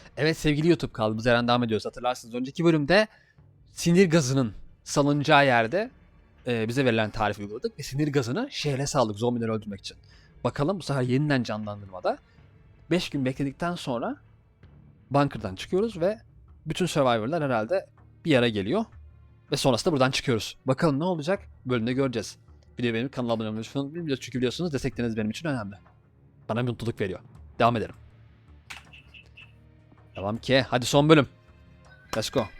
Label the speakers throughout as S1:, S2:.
S1: Evet sevgili YouTube, kaldığımız yerden devam ediyoruz. Hatırlarsınız önceki bölümde sinir gazının salınacağı yerde bize verilen tarifi uyguladık ve sinir gazını şehre saldık zombileri öldürmek için. Bakalım bu sefer yeniden canlandırmada 5 gün bekledikten sonra bunker'dan çıkıyoruz ve bütün survivor'lar herhalde bir yere geliyor. Ve sonrasında buradan çıkıyoruz. Bakalım ne olacak? Bölümde göreceğiz. Videoyu beğenip kanala abone olmayı unutmayın. Çünkü biliyorsunuz destekleriniz benim için önemli. Bana bir mutluluk veriyor. Devam edelim. Devam ki. Hadi son bölüm. Let's go.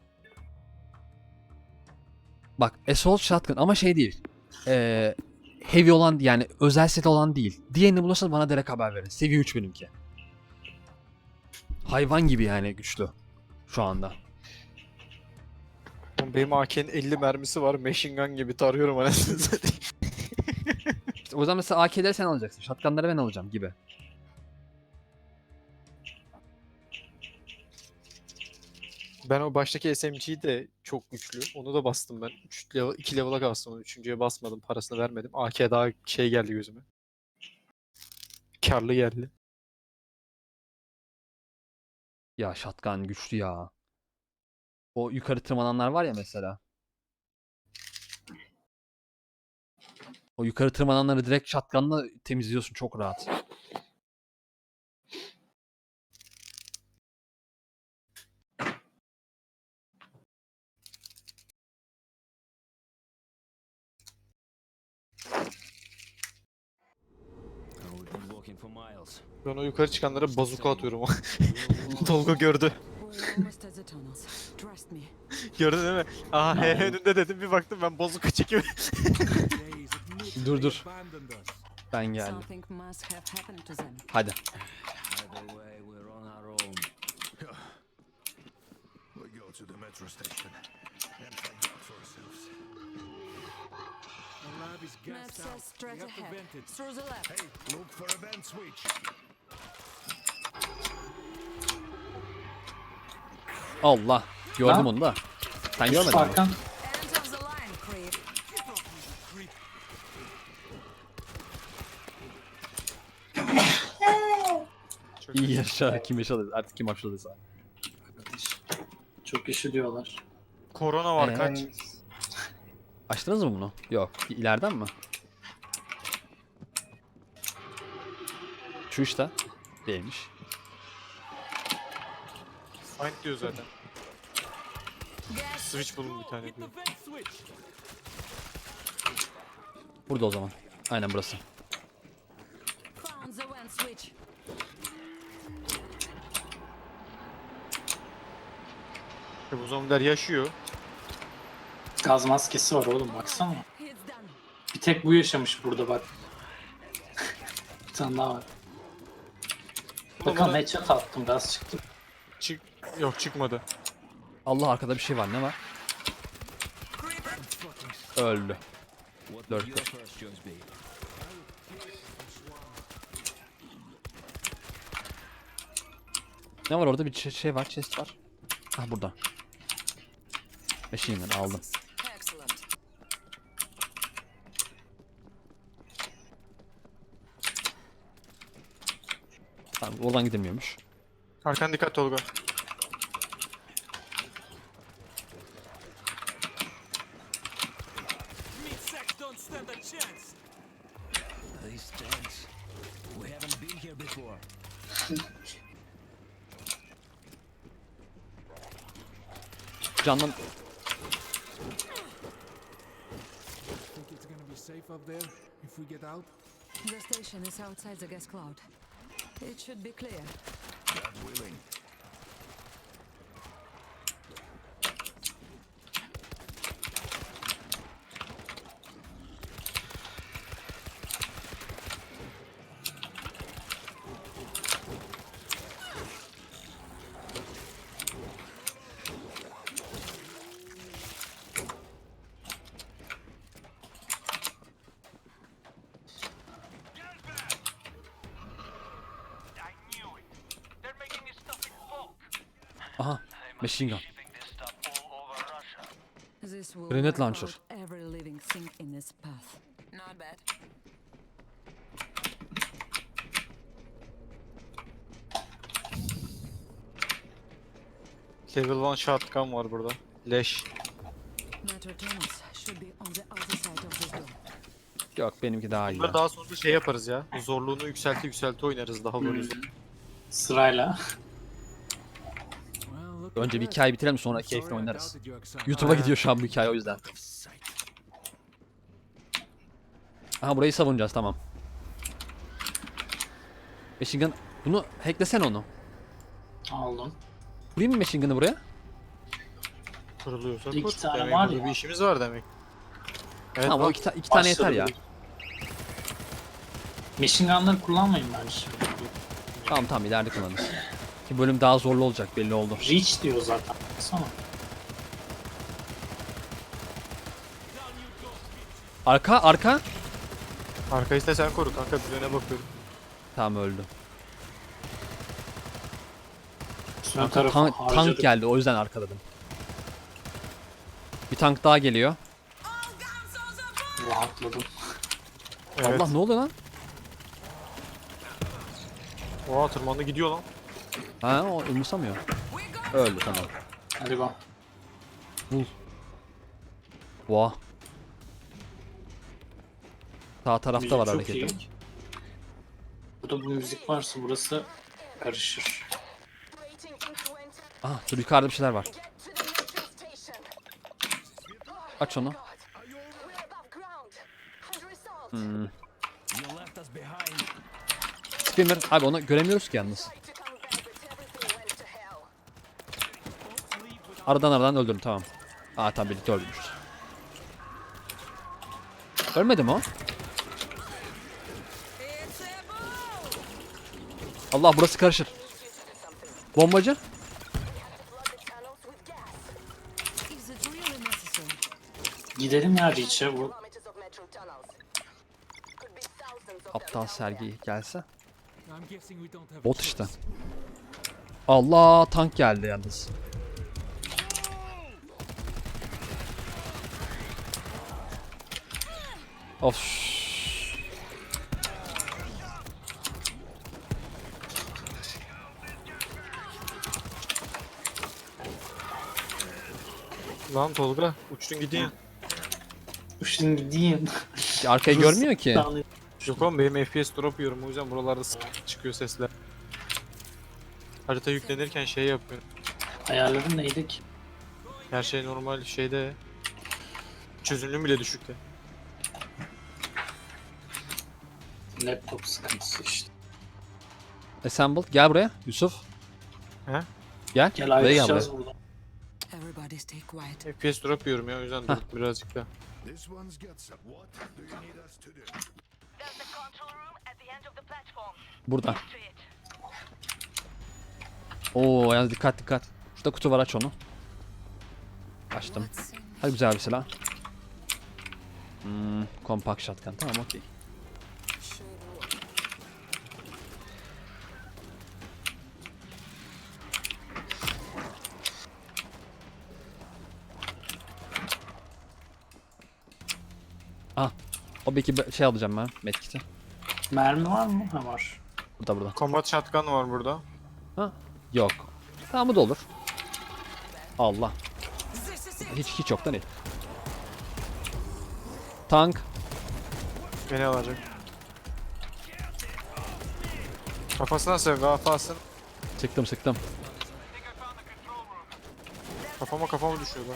S1: Bak Assault Shotgun ama şey değil. Heavy olan yani özel set olan değil. Diğerini bulursanız bana direkt haber verin. Seviye 3 benimki. Hayvan gibi yani güçlü. Şu anda.
S2: Benim AK'nin 50 mermisi var. Machine gun gibi tarıyorum anasını satayım.
S1: İşte o zaman mesela AK'leri sen alacaksın. Shotgun'ları ben alacağım gibi.
S2: Ben o baştaki SMG'yi de çok güçlü. Onu da bastım ben. 2 level'a kastım onu. 3.'ye basmadım. Parasını vermedim. AK daha şey geldi gözüme. Karlı geldi.
S1: Ya shotgun güçlü ya. O yukarı tırmananlar var ya mesela. O yukarı tırmananları direkt shotgun'la temizliyorsun çok rahat.
S2: Ben o yukarı çıkanlara bazuka atıyorum. Tolga gördü. Gördün değil mi? Aha önünde dedim, bir baktım ben bazuka çekiyorum.
S1: Dur. Ben geldim. Hadi.
S3: Map says straight ahead. Through the left.
S4: Hey, look for a vent switch.
S1: Allah. Gördüm onu da. Sen görmedin mi?
S5: Arkan.
S3: End of the line, creep.
S1: İyi yaşa. Kim yaşadı? Artık kim yaşadıysa.
S5: Çok üşüdüyorlar.
S2: Korona var kaç.
S1: Açtınız mı bunu? Yok. İleriden mi? Şu işte. Değilmiş.
S2: Find diyor zaten. Switch bulun bir tane diyor.
S1: Burada o zaman. Aynen burası.
S3: Found the vent switch.
S2: Bu zombiler yaşıyor.
S5: Gaz maskesi var oğlum, baksana.
S3: It's done.
S5: Bir tek bu yaşamış burada bak. Bir tane daha var. Bakalım, headshot attım, gaz çıktı.
S2: Yok çıkmadı.
S1: Allah, arkada bir şey var. Ne var? Öldü. 4. Ne var orada? Bir şey var. Chest var. Ah, burada. Machine gun aldım.
S3: Excellent.
S1: Tamam, oradan gidemiyormuş.
S2: Arkan dikkat Tolga.
S1: Canlan...
S4: Think it's gonna be safe up there if we get out?
S3: The station is outside the gas cloud. It should be clear.
S4: God willing.
S1: Aha. Machine gun.
S3: This will
S1: Grenade
S3: wipe
S1: launcher.
S3: out every living thing in its path. Not bad.
S2: Level 1 shotgun var burada. Leş.
S3: Metro tunnels should be on the other side of this door.
S1: Yok benimki daha iyi.
S2: Bunları
S1: ya.
S2: daha sonra şey yaparız ya. Zorluğunu yükselti oynarız daha böyle.
S5: Sırayla.
S4: Well, look
S1: Önce
S4: at
S1: bir
S4: that.
S1: hikaye bitirelim sonra
S4: Sorry
S1: keyifle
S4: I
S1: oynarız.
S4: doubted your excitement.
S1: YouTube'a gidiyor şu an bu hikaye o yüzden.
S4: Sight.
S1: Aha burayı savunacağız tamam. Machine gun. Bunu hacklesen onu.
S5: Aldım.
S1: Kurayım mı machine gun'ı buraya?
S2: Kuruluyorsa
S5: İki
S2: kur.
S5: tane
S2: Demek
S5: var
S2: burada
S5: ya.
S2: bir işimiz var demek. Evet
S1: Tamam o
S2: bak.
S1: iki tane yeter
S5: Başladı
S1: ya.
S5: bile. Machine gun'ları kullanmayın bence şimdi.
S1: Tamam ileride kullanırız. Ki bölüm daha zorlu olacak belli oldu.
S5: Reach diyor zaten. Baksana.
S1: Arka.
S2: Arkayı da sen koru kanka, bir öne bakıyorum.
S1: Tamam öldü.
S5: Ön tarafı
S1: Tank
S5: harcadık.
S1: geldi o yüzden arkaladım. Bir tank daha geliyor.
S5: Rahatladım.
S2: Evet.
S1: Allah ne oluyor lan?
S2: Oha tırmandı gidiyor lan.
S1: Ha o umursamıyor. Öldü tamam.
S5: Hadi go.
S1: Vah. Sağ tarafta
S5: Müzik
S1: var
S5: çok
S1: hareketi.
S5: iyi. Burada bu müzik varsa burası karışır.
S1: Ah dur yukarıda bir şeyler var. Aç onu. Screamer. Abi onu göremiyoruz ki yalnız. Aradan öldürdüm tamam. Aa tamam birlikte öldürmüşüz. Ölmedi mi o? Allah burası karışır. Bombacı.
S3: Is it really necessary?
S5: Gidelim ya Reach'e bu.
S1: Aptal sergi gelse.
S4: I'm guessing we don't have a
S1: Bot
S4: choice.
S1: işte. Allah tank geldi yalnız. Of.
S2: Lan Tolga uçtun gidiyorsun.
S5: Şimdi gideyim.
S1: Arkayı görmüyor ki.
S2: Yok oğlum benim FPS drop yiyorum, o yüzden buralarda çıkıyor sesler. Harita yüklenirken şey yapıyor.
S5: Ayarların neydi ki?
S2: Her şey normal şeyde. Çözünürlüğüm bile düşükte.
S5: Laptop sıkıntısı işte.
S1: Assembled. Gel buraya Yusuf.
S2: He?
S1: Gel.
S5: Gel
S1: Buraya gel
S5: ayrışacağız
S1: buraya.
S5: buradan.
S3: Everybody stay quiet.
S2: FPS drop yiyorum ya, o yüzden dur birazcık da.
S6: This one's got some. What do you need us to do?
S7: There's the control room at the end of the platform.
S1: Burada.
S7: To it.
S1: Oo yalnız dikkat. Şurada kutu var aç onu. Açtım.
S3: What's in
S1: Hadi güzel bir silah. Compact shotgun tamam okey. Ah. O belki şey alacağım ben medkit'i.
S5: Mermi var mı? Ha var.
S1: Burada.
S2: Combat shotgun var burada.
S1: Ha? Yok. Tamam bu da olur. Allah. Hiç yoktan iyi. Tank.
S2: Beni alacak. Kafasına sev, kafasın.
S1: Sıktım.
S2: Kafama düşüyorlar.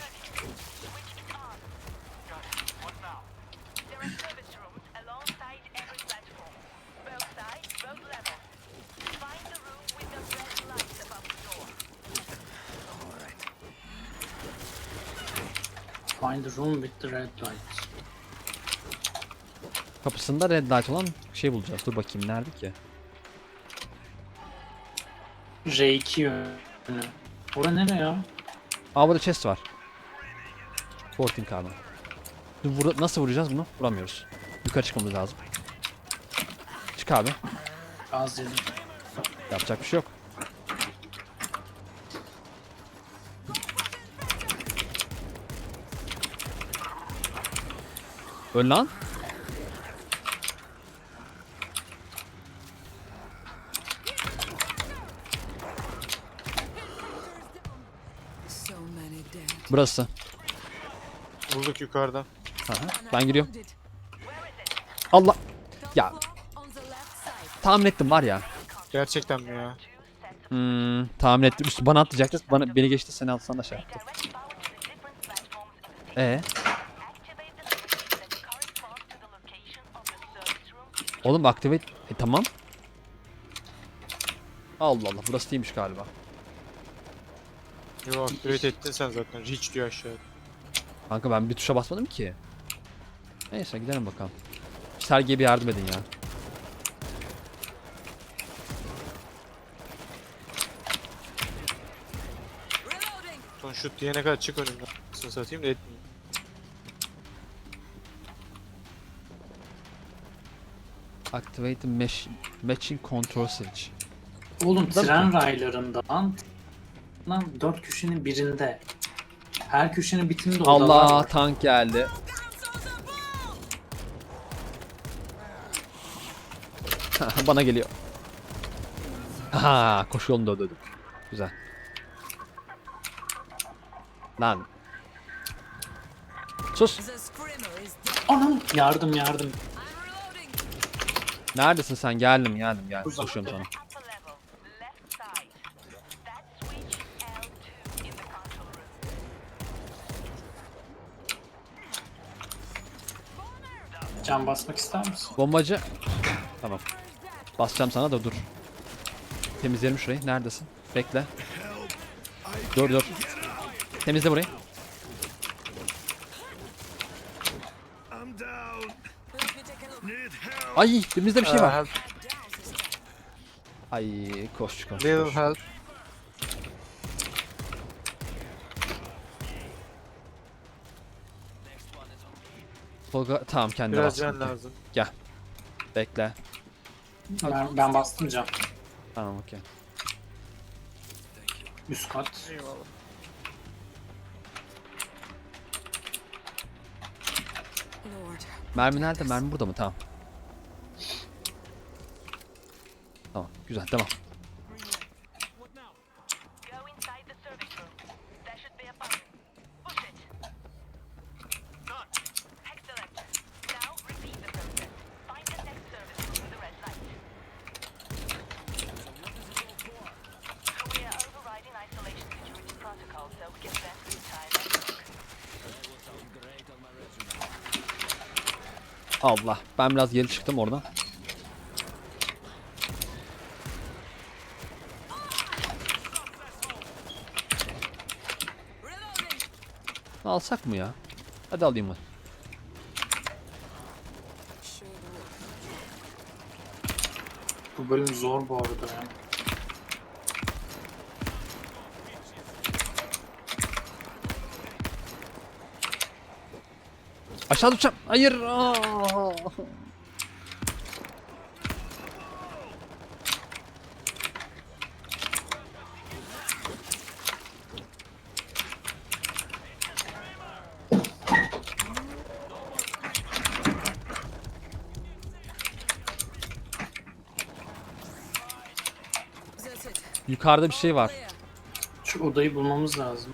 S7: There are service rooms alongside every platform. Both sides, both levels. Find the room with the red lights above the door.
S5: Find the room with the red light.
S1: Kapısında red light olan şey bulacağız. Dur bakayım nerede ki?
S5: R2 yönü. Ora nere ya?
S1: Aa burada chest var. 14 carbon. Nasıl vuracağız bunu? Vuramıyoruz. Yukarı çıkmamız lazım. Çık abi.
S5: Gaz yedim.
S1: Yapacak bir şey yok. Öl lan. Burası.
S2: Bulduk yukarıda.
S1: Aha, ben giriyorum. Allah. Ya
S3: On the left side.
S1: tahmin ettim var ya.
S2: Gerçekten mi ya?
S1: Tahmin ettim. Üstü bana atlayacaktı. Beni geçti, seni alsan da şey yaptı.
S7: Direct power to the different platforms in the station. Activate the switches that correspond to the location of the service room.
S1: Oğlum activate. Tamam. Allah Allah, burası değilmiş galiba.
S2: Yo activate ettin sen zaten. Reach diyor aşağıya.
S1: Kanka ben bir tuşa basmadım ki. Neyse gidelim bakalım. Sergiye bir yardım edin ya.
S3: Reloading.
S2: Son şut diyene kadar çık önümden. Sını satayım da etmeyeyim.
S1: Activate the matching control switch.
S5: Oğlum
S1: Değil mi?
S5: tren raylarında lan 4 köşenin birinde. Her köşenin bitiminde odalar
S1: Allah,
S5: var.
S1: tank geldi. Bana geliyor. Aha, koşu yolunda ödedim. Güzel. Lan. Sus.
S3: The screamer is dead.
S5: Anam yardım.
S3: I'm reloading.
S1: Neredesin sen? Geldim. Koşuyorum sana.
S7: Upper level, left side. That switch L2 in the control room.
S5: Can basmak ister misin?
S1: Bombacı. Tamam. Basacağım sana da dur. Temizleyelim şurayı. Neredesin? Bekle. Dur. Temizle burayı.
S6: I'm down.
S3: Let me take a look.
S6: Need help.
S1: Ay, dibimizde bir şey var.
S2: Help.
S3: Down, sister.
S1: Ay, koş.
S2: Little help.
S1: Tolga, tamam kendine
S2: Biraz
S1: bas.
S2: can lazım.
S1: Bekle.
S5: Ben bastım can.
S1: Tamam, okey.
S5: Üst kat.
S2: Eyvallah.
S3: Lord.
S1: Mermi nerede? Mermi burada mı? Tamam. Tamam, güzel, devam.
S7: Go inside the service room. There should be a button. Push it. Done. Excellent. Now repeat the process. Find the next service room with the red light. We are overriding isolation security protocol so we can spend good time at work.
S1: Allah, ben biraz geri çıktım oradan.
S3: Reloading.
S1: Alsak mı ya? Hadi alayım ben.
S5: Bu bölüm zor bu arada ya.
S1: Aşağı düşeceğim. Hayır. Aa!
S3: That's it.
S1: Yukarıda bir şey var.
S3: Clear.
S5: Şu odayı bulmamız lazım.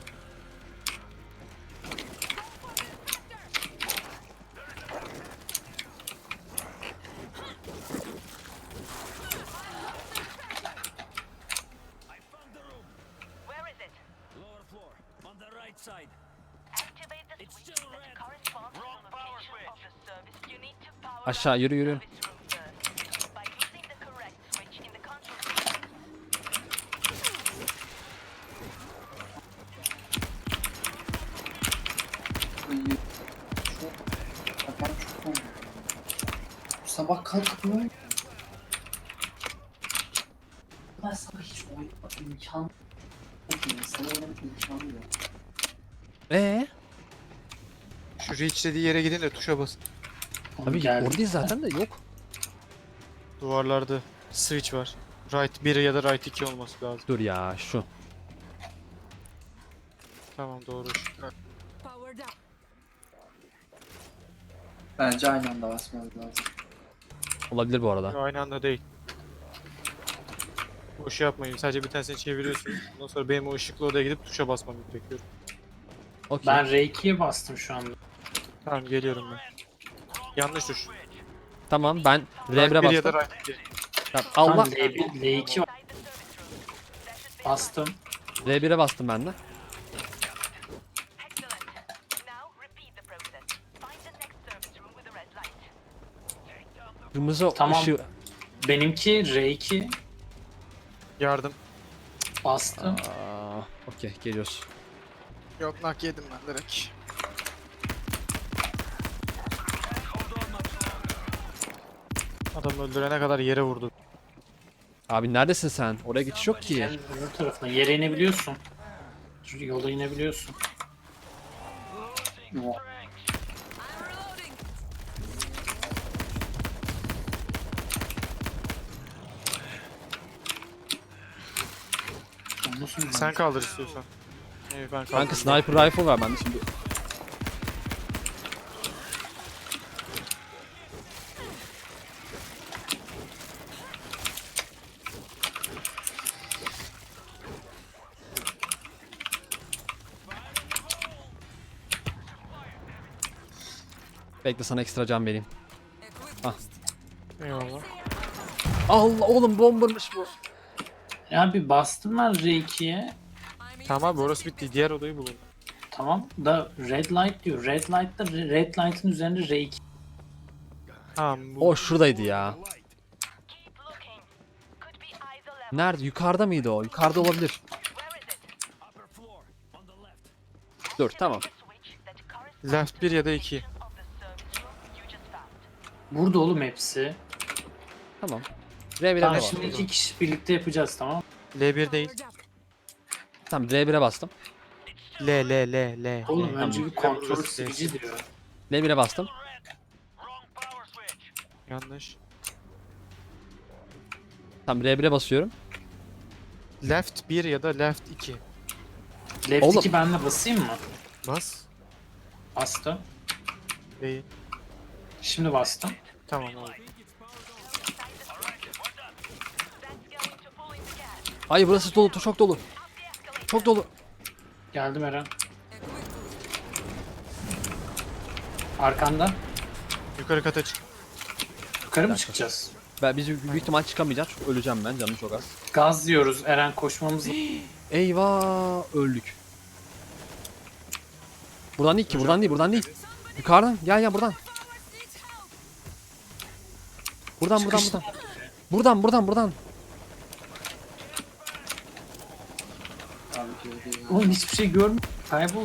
S7: Where is it?
S8: Lower floor, on the right side.
S7: Activate the switch that corresponds to the location of the service. You need to power
S1: Aşağı yürü.
S7: service room first. By using the correct switch in the control room,
S5: Sabah kalkıp ben sabah hiç oynamak imkan yok. Sana oynamak imkanı yok.
S2: Şu reach dediği yere gidin de tuşa basın.
S1: Abi
S5: Geldi.
S1: oradayız zaten de yok.
S2: Duvarlarda switch var. Right 1 ya da right 2 olması lazım.
S1: Dur ya, şu.
S2: Tamam doğru.
S3: Powered up.
S5: Bence aynı anda basmamız lazım.
S1: Olabilir bu arada.
S2: Aynı anda değil. Boş yapmayın. Sadece bir tanesini çeviriyorsunuz. Ondan sonra benim o ışıklı odaya gidip tuşa basmam gerekiyor.
S1: Okey.
S5: Ben R2'ye bastım şu anda.
S2: Tamam geliyorum ben. Yanlış tuş.
S1: Tamam ben
S2: Right
S1: R1'e
S2: 1 ya da
S1: bastım.
S2: right 2.
S1: Tamam,
S5: Tamam,
S1: Allah.
S5: L2 var.
S7: Inside the service room. There should be
S5: Bastım.
S1: R1'e bastım ben de.
S7: excellent. Now repeat the process. Find the next service room with a red light.
S1: Kırmızı
S5: Tamam.
S1: ışığı.
S5: Benimki R2
S2: Yardım.
S5: bastım.
S1: Aa, okey geliyoruz.
S2: Yok nak yedim ben direkt. Adam öldürene kadar yere vurdu.
S1: Abi neredesin sen? Oraya geçiş yok ki.
S5: Sen öbür tarafına yere inebiliyorsun. Yola inebiliyorsun.
S3: I'm reloading.
S5: Nasıl
S2: Sen kaldır istiyorsan. Evet ben
S1: Kanka
S2: kaldırdım.
S1: sniper rifle var bende şimdi. Bekle sana ekstra can vereyim.
S3: Equip
S1: Ah.
S3: boost.
S2: Eyvallah.
S1: Allah oğlum bombarmış bu.
S5: Ya bir bastım ben R2'ye.
S3: I'm
S2: Tamam abi orası bitti. Diğer odayı bulun.
S5: Tamam da red light diyor. Red light'ta red light'ın üzerinde R2.
S2: Tamam bu.
S1: O şuradaydı ya.
S7: Keep looking. Could be either level.
S1: Nerede? Yukarıda mıydı o? Yukarıda olabilir.
S7: Where is it?
S8: Upper floor, on the left.
S1: Dur tamam.
S7: Switch that corresponds
S2: Left 1 ya da 2.
S7: of the service room you just found.
S5: Burada oğlum hepsi.
S1: Tamam. R1'e
S5: Tamam
S1: bastım.
S5: şimdi iki kişi birlikte yapacağız tamam.
S2: L1 değil.
S3: powered up.
S1: Tamam R1'e bastım.
S2: L.
S5: Oğlum
S2: L.
S5: önce bir kontrol
S2: Burası
S5: silici diyor.
S1: R1'e bastım.
S8: Wrong power switch.
S2: Yanlış.
S1: Tamam R1'e basıyorum.
S2: Left 1 ya da left 2.
S5: Left
S1: Oğlum.
S5: 2 ben de basayım mı?
S2: Bas.
S5: Bastım.
S2: Değil.
S5: Şimdi bastım.
S2: Tamam oldu.
S7: That's going to pull in the gas.
S1: Ay burası dolu, çok dolu.
S7: Up the escalator.
S1: Çok dolu.
S5: Geldim Eren.
S3: Equip boost.
S5: Arkanda.
S2: Yukarı kata çık.
S5: Yukarı mı çıkacağız?
S1: Biz büyük ihtimal çıkamayacağız çünkü öleceğim ben, canım çok az.
S5: Gaz diyoruz Eren koşmamız.
S1: Eyvah, öldük. Buradan değil ki, buradan değil, buradan değil. Yukarıdan, gel buradan. Buradan. Buradan.
S5: Oğlum hiçbir şey görmüyorum. Kayboldu.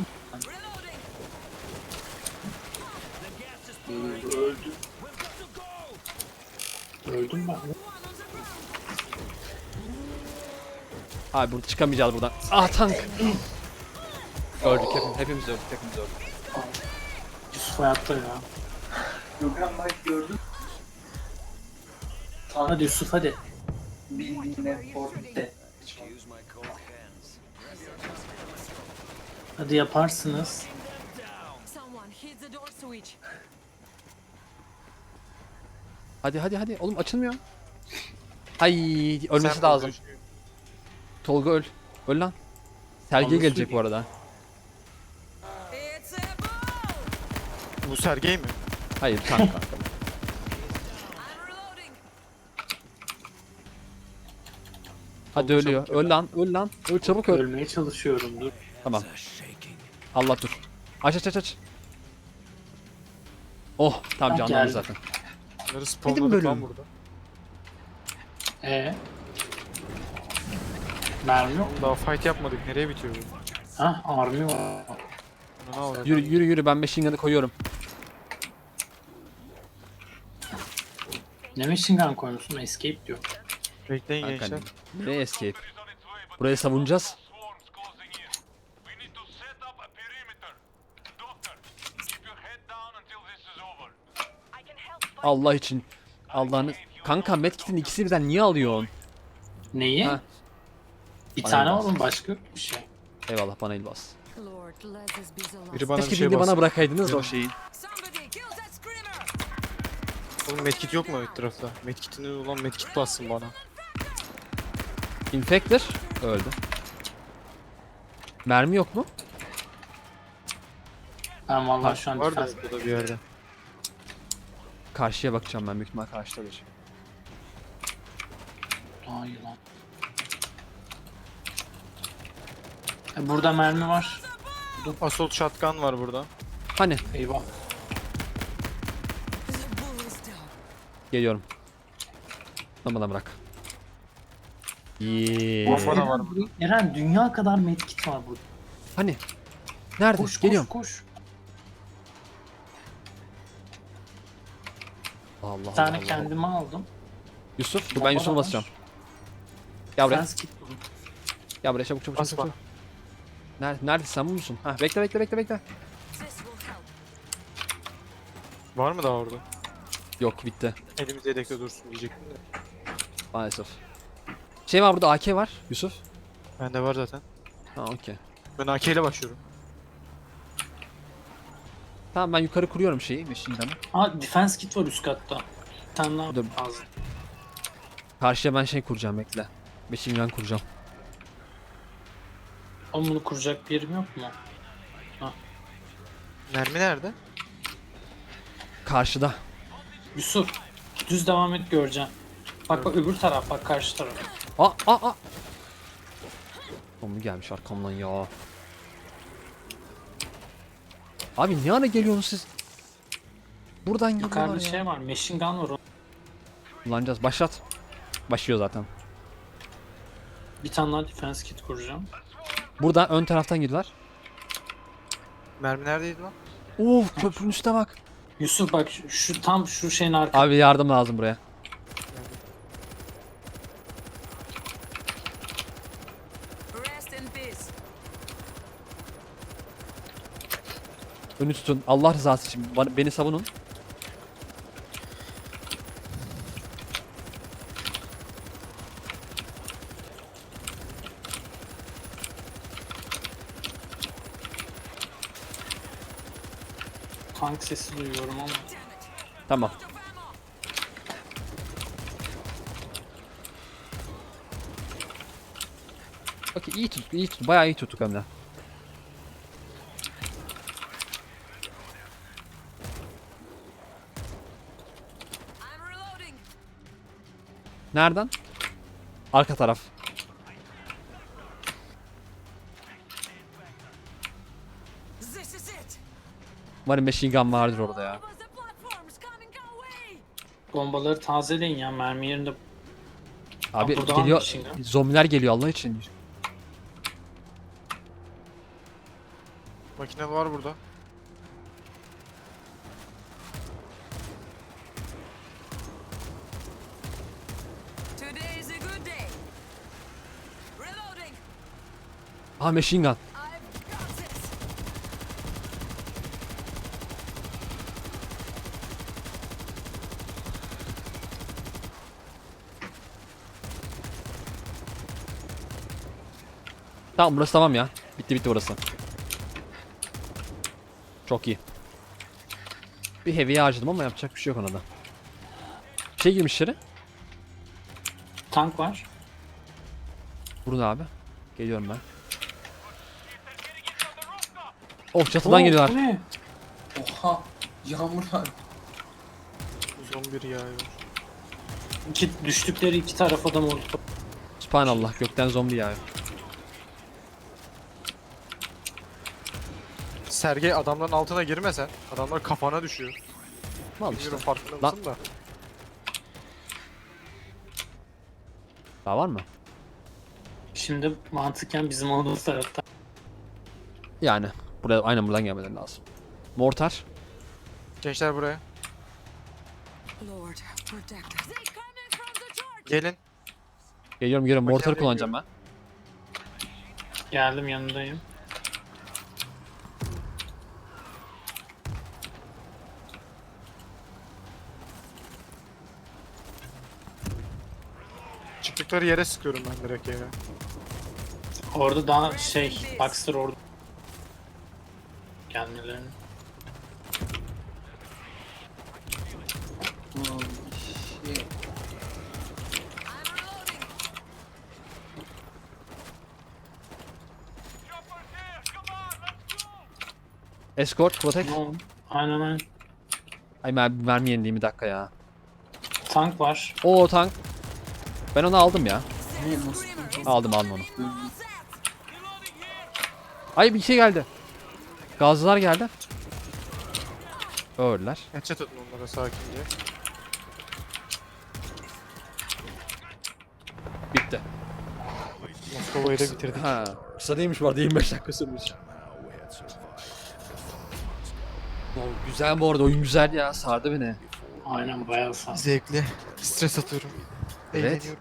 S5: Öldüm. Öldüm ben.
S1: Abi burada çıkamayacağız buradan. Ah tank. Öldük hepimiz öldük.
S5: Yusuf hayatta ya. Gökhan bak gördün. Hadi Yusuf hadi. Hadi yaparsınız.
S3: Someone hit the door switch.
S1: Hadi. Oğlum açılmıyor. Ay ölmesi
S2: Sen
S1: lazım.
S2: vur.
S1: Tolga öl. Öl lan. Sergiye
S5: Anlasın
S1: gelecek
S5: ki.
S1: bu arada.
S3: It's a ball.
S2: Bu Sergey mi?
S1: Hayır tank kanka.
S3: I'm reloading.
S1: Hadi ölüyor. Öl lan. Öl çabuk öl.
S5: Ölmeye çalışıyorum dur.
S1: Tamam. Allah dur. Aç. Oh tamam
S5: Ha,
S1: canlandı
S5: geldi.
S1: zaten.
S2: Bunları spawnladık lan
S1: bölüm.
S2: burada.
S5: Mermi yok.
S2: Daha fight yapmadık. Nereye bitiyor bu?
S5: Ha army var.
S2: Ne oldu?
S1: Yürü ben machine gun'ı koyuyorum.
S5: Ne machine gun koymuşsun? Escape diyor.
S2: Bekleyin
S1: Kanka
S2: gençler.
S1: nereye escape? Burayı savunacağız.
S6: Swarms closing in. We need to set up a perimeter. Doctor, keep your head down until this is over.
S7: I can help find
S1: Allah için. Allah'ını... Kanka medkit'in ikisi birden niye alıyorsun?
S5: Neyi?
S1: Ha.
S5: Bir
S1: Bana
S5: tane
S1: bas.
S5: oğlum başka yok bir şey.
S1: Eyvallah bana el bas.
S3: Lord, let this be the last.
S2: Biri bana bir
S1: Keşke
S2: şey
S1: beni bana
S2: bassın.
S1: bırakaydınız da o şeyi.
S3: Somebody kill that screamer.
S2: Oğlum medkit yok mu etrafta? Medkitini ulan medkit bassın bana.
S1: Infector öldü. Mermi yok mu?
S5: Ben vallahi şu an
S2: Var da
S5: defense
S2: burada bir yerde.
S1: Karşıya bakacağım ben, büyük ihtimal karşıdadır.
S5: Aa yılan. Burada mermi var.
S2: Assault shotgun var burada.
S1: Hani
S5: Eyvah.
S3: The bull is down.
S1: geliyorum. Bana bırak. Yeee.
S2: Bomba da var
S5: Eren dünya kadar medkit var burada.
S1: Hani? Nerede?
S5: Koş
S1: Geliyorum.
S5: koş.
S1: Allah
S5: Bir
S1: Allah.
S5: tane
S1: Allah.
S5: kendime aldım.
S1: Yusuf, dur ben
S5: Bomba
S1: Yusuf'a
S5: da var.
S1: basacağım. Gel buraya.
S5: Defense kit buldum.
S1: Gel buraya çabuk çabuk çabuk.
S2: Basma.
S1: çabuk. Neredesin sen, bu musun? Ha, bekle.
S3: This will help.
S2: Var mı daha orada?
S1: Yok, bitti.
S2: Elimizde yedekte dursun diyecektim de.
S1: Maalesef. Şey var burada, AK var Yusuf.
S2: Bende var zaten.
S1: Ha, okey.
S2: Ben AK ile başlıyorum.
S1: Tamam, ben yukarı kuruyorum şeyi, machine gun'ı.
S5: Aa defense kit var üst katta. Bir tane daha
S1: Dur.
S5: lazım.
S1: Karşıya ben şey kuracağım, bekle. Machine gun kuracağım.
S5: Ama bunu kuracak bir yerim yok mu?
S2: Mermi nerede?
S1: Karşıda.
S5: Yusuf düz devam et göreceğim. Bak bak öbür taraf, bak karşı taraf.
S1: Aa. Zombi gelmiş arkamdan ya. Abi ne ara geliyorsunuz siz? Buradan geliyorlar
S5: Yukarıda
S1: ya.
S5: şey var, machine gun var.
S1: Kullanacağız. Başlat. Başlıyor zaten.
S5: Bir tane daha defense kit kuracağım.
S1: Burada ön taraftan geliyorlar.
S2: Mermi neredeydi lan?
S1: Of, köprünün üstüne bak.
S5: Yusuf bak şu tam şu şeyin arkasında.
S1: Abi yardım lazım buraya.
S3: Rest in peace.
S1: Önü tutun. Allah rızası için beni savunun.
S5: Tank sesi duyuyorum ama.
S1: Tamam. Okey, iyi tuttuk, iyi tuttuk. Bayağı iyi tuttuk hem de.
S3: I'm reloading.
S1: Nereden? Arka taraf.
S3: This is it.
S1: Umarım machine gun vardır orada ya.
S3: Over the platforms coming our way.
S5: Bombaları tazeleyin ya, mermi yerinde.
S1: Abi
S5: burada var
S1: geliyor.
S5: machine gun.
S1: Zombiler geliyor Allah için.
S2: Makine var burada.
S3: Today is a good day. Reloading.
S1: Ha, machine gun.
S3: I've got this.
S1: Tamam, burası tamam ya. Bitti burası. Çok iyi. Bir heavy'ye harcadım ama yapacak bir şey yok ona da. Şey girmiş içeri.
S5: Tank var.
S1: Vurun abi. Geliyorum ben. Oh, çatıdan
S5: Oo,
S1: geliyorlar.
S5: bu ne?
S9: Oha! Yağmur var.
S2: Zombi yağıyor.
S5: Düştükleri iki tarafa da molotof.
S1: Subhanallah, gökten zombi yağıyor.
S2: Sergey adamların altına girmesen adamlar kafana düşüyor.
S1: Al işte.
S2: Bilmiyorum farkında
S1: Lan.
S2: mısın da.
S1: Daha var mı?
S5: Şimdi mantıken bizim olduğumuz tarafta.
S1: Yani. Buraya, aynen buradan gelmeleri lazım. Mortar.
S2: Gençler buraya.
S3: Lord, protect us. They coming from the church.
S2: Gelin.
S1: Geliyorum. Mortarı
S2: Bakayım,
S1: kullanacağım ben.
S5: Geldim, yanındayım.
S2: Çıktıkları yere sıkıyorum ben direkt yere.
S5: Orada daha şey, Baxter orada. Gelmelerini.
S9: Oh, shit.
S3: I'm reloading.
S6: Chopper here! Come on, let's go!
S1: Escort, protect.
S5: Tamam. Aynen aynen.
S1: Ay mermi yenileyim bir dakika ya.
S5: Tank var.
S1: Oo tank. Ben onu aldım ya.
S9: Ne nasıl?
S1: Aldım onu.
S9: Öldü.
S1: Ay bir şey geldi. Gazlılar geldi. Öldüler.
S2: Headshot atın onlara sakince.
S1: Bitti.
S2: Moskova'yı da bitirdik.
S1: Ha. Kısa değilmiş bu arada 25 dakika sürmüş. Güzel bu arada oyun güzel ya sardı beni.
S5: Aynen bayağı sağ.
S2: Zevkli. Stres atıyorum.
S1: Evet.
S2: Eğleniyorum.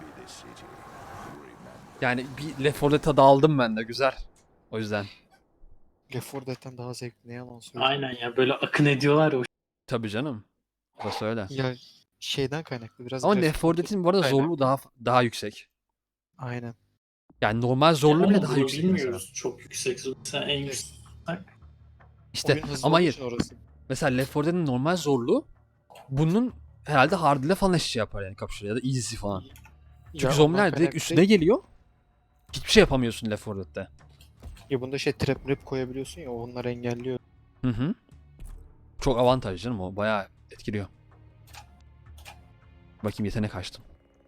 S1: Yani bir Left 4 Dead tadı aldım ben de güzel. O yüzden.
S2: Left 4 Dead'den daha zevkli, ne yalan söyleyeyim.
S5: Aynen ya böyle akın ediyorlar ya o
S1: Tabii canım. Burası öyle.
S2: Ya şeyden kaynaklı biraz.
S1: Ama
S2: grafik
S1: Left 4 Dead'in bu arada
S2: kaynaklı.
S1: zorluğu daha yüksek.
S2: Aynen.
S1: Yani normal zorluğu bile
S5: Ama
S1: daha
S5: bunu
S1: yüksek
S5: bilmiyoruz.
S1: mesela.
S5: Çok yüksek. Mesela en yüksek.
S1: İşte
S2: Oyun hızlı
S1: ama
S2: olduğu
S1: hayır.
S2: için orası.
S1: Mesela Left 4 Dead'in normal zorluğu bunun herhalde hard ile falan eşit yapar yani kapışır ya da easy falan. Çünkü
S2: Ya
S1: zombiler
S2: ondan
S1: direkt
S2: kaynaklı
S1: üstüne
S2: değil.
S1: geliyor. Hiçbir şey yapamıyorsun Left 4 Dead'de.
S2: Ya bunda şey trap mrap koyabiliyorsun ya, onlar engelliyor.
S1: Hı hı. Çok avantaj canım o. Bayağı etkiliyor. Bakayım yetenek açtım.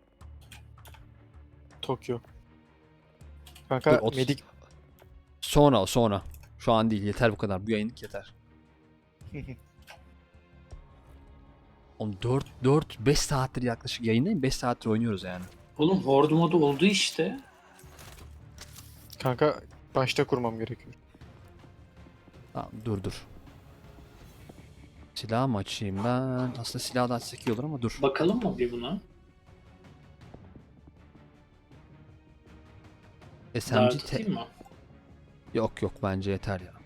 S2: Tokyo.
S1: Dur,
S2: Kanka
S1: 30.
S2: medik
S1: Sonra. Şu an değil. Yeter bu kadar. Bu yayınlık yeter. Oğlum 5 saattir yaklaşık yayındayım. 5 saattir oynuyoruz yani.
S5: Oğlum horde modu oldu işte.
S2: kanka başta kurmam gerekiyor.
S1: Tamam dur. Silah mı açayım ben? Aslında silah da açsak iyi olur ama dur.
S5: Bakalım mı bir buna?
S1: SMG
S5: Daha tutayım mı?
S1: Yok bence yeter ya.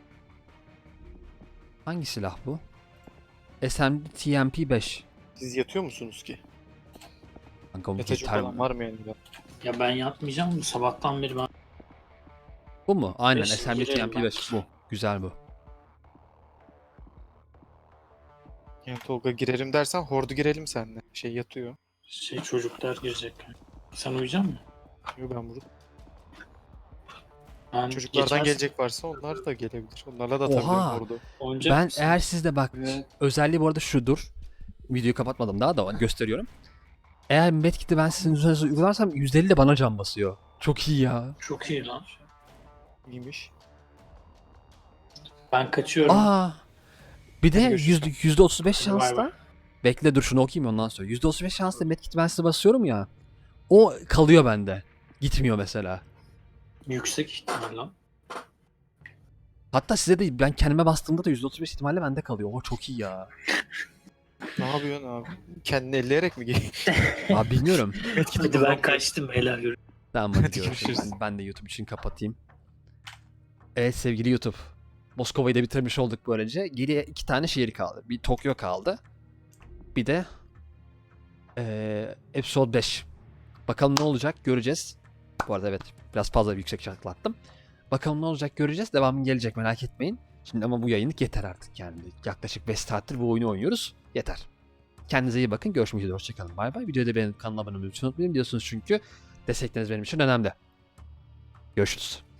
S1: Hangi silah bu? SMG TMP5.
S2: Siz yatıyor musunuz ki?
S1: Kanka bu
S2: Yatacak
S1: yeter
S2: olan
S1: mi?
S2: var mı yani?
S5: Ya ben yatmayacağım. Sabahtan beri ben
S1: Bu mu? Aynen
S5: Beş,
S1: SMG
S5: girelim
S1: TMP5 bu. Güzel bu.
S2: Yani Tolga girerim dersen hordu girelim seninle. Şey yatıyor.
S5: çocuklar girecek. Sen uyuyacak mısın?
S2: Yo, ben burada.
S5: Ben
S2: Çocuklardan
S5: geçen-
S2: gelecek varsa onlar da gelebilir. Onlarla da
S1: Oha!
S2: atabilirim hordu.
S5: Oynayacak
S1: Ben
S5: mısın?
S1: eğer sizde bak
S9: Evet.
S1: özelliği bu arada şudur. Videoyu kapatmadım daha da gösteriyorum. Eğer medkit'i ben sizin üzerinize uygularsam %50 de bana can basıyor. Çok iyi ya.
S5: Çok iyi lan.
S2: İyiymiş.
S5: Ben kaçıyorum.
S1: Aa. Bir de
S2: Hadi görüşürüz.
S1: %35
S5: Bay
S1: şansla.
S5: bay.
S1: Bekle dur şunu okuyayım ondan sonra. %35 şansla medkit'i ben size basıyorum ya. O kalıyor bende. Gitmiyor mesela.
S5: Yüksek ihtimal lan.
S1: Hatta size de ben kendime bastığımda da %35 ihtimalle bende kalıyor. O çok iyi ya.
S2: Ne yapıyorsun abi? Kendini elleyerek mi giy?
S1: Abi bilmiyorum.
S5: Hadi ben kaçtım. Helal görüşürüz.
S1: Tamam hadi
S2: Hadi
S1: görüşürüz.
S2: görüşürüz.
S1: Ben de YouTube için kapatayım. Evet sevgili YouTube. Moskova'yı da bitirmiş olduk böylece. Geriye 2 tane şehir kaldı. Bir Tokyo kaldı. Bir de Episode 5. Bakalım ne olacak göreceğiz. Bu arada evet biraz fazla yüksek çaklattım. Bakalım ne olacak göreceğiz. Devamı gelecek merak etmeyin. Şimdi ama bu yayınlık yeter artık yani. Yaklaşık 5 saattir bu oyunu oynuyoruz. Yeter. Kendinize iyi bakın. Görüşmek üzere. Hoşçakalın. Bay bay. Videoda benim kanalıma abone olmayı lütfen unutmayın. Biliyorsunuz çünkü destekleriniz benim için önemli. Görüşürüz.